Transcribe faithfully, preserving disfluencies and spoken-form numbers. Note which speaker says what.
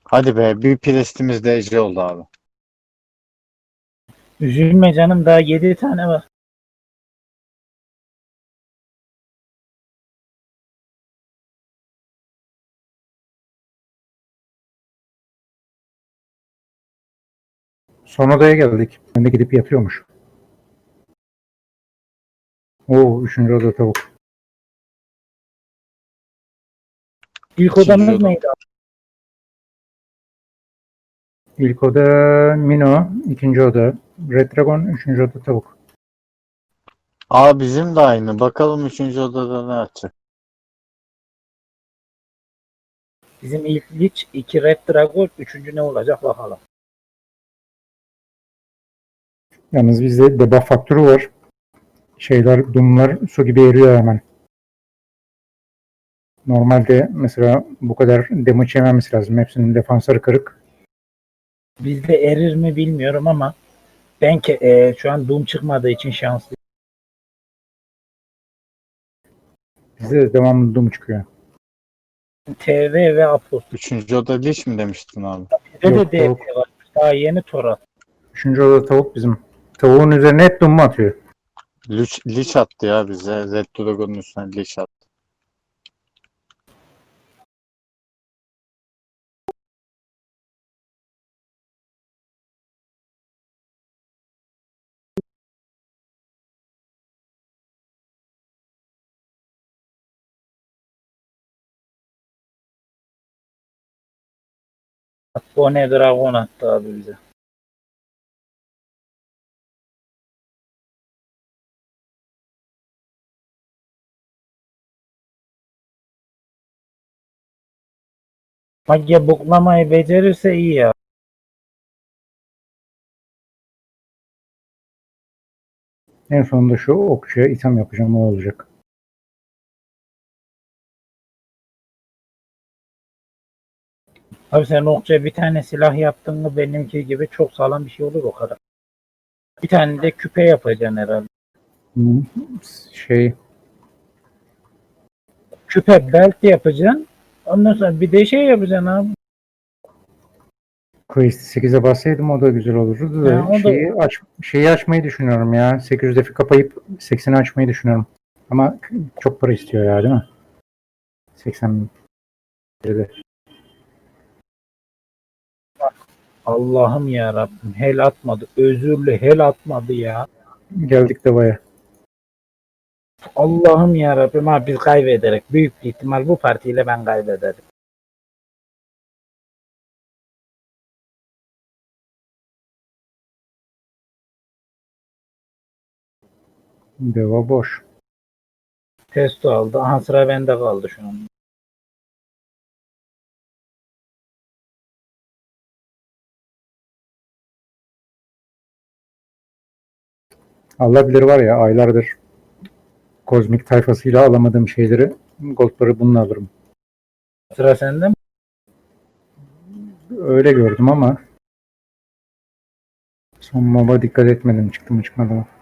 Speaker 1: Hadi be, bir prestimiz de Ece oldu abi.
Speaker 2: Üzülme canım, daha yedi tane var.
Speaker 3: Son odaya geldik. Ben de gidip yatıyormuş. Oo, üçüncü oda tavuk.
Speaker 2: İlk
Speaker 1: İkinci
Speaker 2: odamız
Speaker 1: oda.
Speaker 2: neydi abi?
Speaker 3: İlk oda Mino, ikinci oda Red Dragon, üçüncü oda tavuk.
Speaker 1: Aa, bizim de aynı. Bakalım üçüncü odada ne açacak.
Speaker 2: Bizim ilk Lich, iki Red Dragon, üçüncü ne olacak bakalım.
Speaker 3: Yalnız bizde debuff faktörü var. Şeyler, Doom'lar su gibi eriyor hemen. Normalde mesela bu kadar damage yememesi lazım. Hepsinin defansları kırık.
Speaker 2: Bizde erir mi bilmiyorum ama ben ke e, şu an Doom çıkmadığı için şanslıyım.
Speaker 3: Bizde de devamlı Doom çıkıyor.
Speaker 2: T V ve Apos.
Speaker 1: Üçüncü oda Lich mi demiştin abi?
Speaker 2: Bizde
Speaker 3: Yok,
Speaker 2: de D
Speaker 3: tavuk.
Speaker 2: P var. Daha yeni Torat.
Speaker 3: Üçüncü oda tavuk bizim. Tavuğun üzerine hep Doom atıyor.
Speaker 1: Lich, Lich attı ya bize. Red Dragon'un üstüne Lich attı.
Speaker 2: Bone Dragon attı abi bize. Mage buklamayı becerirse iyi ya.
Speaker 3: En sonunda şu okçuya item yapacağım, o olacak.
Speaker 2: Abi sen okçuya bir tane silah yaptın mı benimki gibi çok sağlam bir şey olur o kadar. Bir tane de küpe yapacaksın herhalde.
Speaker 3: Hmm, Şey,
Speaker 2: Küpe belt yapacaksın. Ondan sonra bir de şey yapacaksın abi.
Speaker 3: Quest sekize bassaydım o da güzel olurdu da,
Speaker 2: Ya, o da-
Speaker 3: şeyi aç şeyi açmayı düşünüyorum ya. sekiz yüz defi kapayıp sekseni açmayı düşünüyorum. Ama çok para istiyor ya, değil mi? seksen de.
Speaker 2: Allah'ım ya Rabbim, hel atmadı. Özürlü hel atmadı ya.
Speaker 3: Geldik de baya.
Speaker 2: Allah'ım ya Rabbim, abi biz kaybederek büyük bir ihtimal bu partiyle ben kaybederim.
Speaker 3: Deva boş.
Speaker 2: Testo aldı. Aha, sıra bende kaldı şu an.
Speaker 3: Allah bilir var ya, aylardır kozmik tayfasıyla alamadığım şeyleri, goldları bununla alırım.
Speaker 2: Sıra sende mi?
Speaker 3: Öyle gördüm ama son moba dikkat etmedim, çıktı mı çıkmadı mı.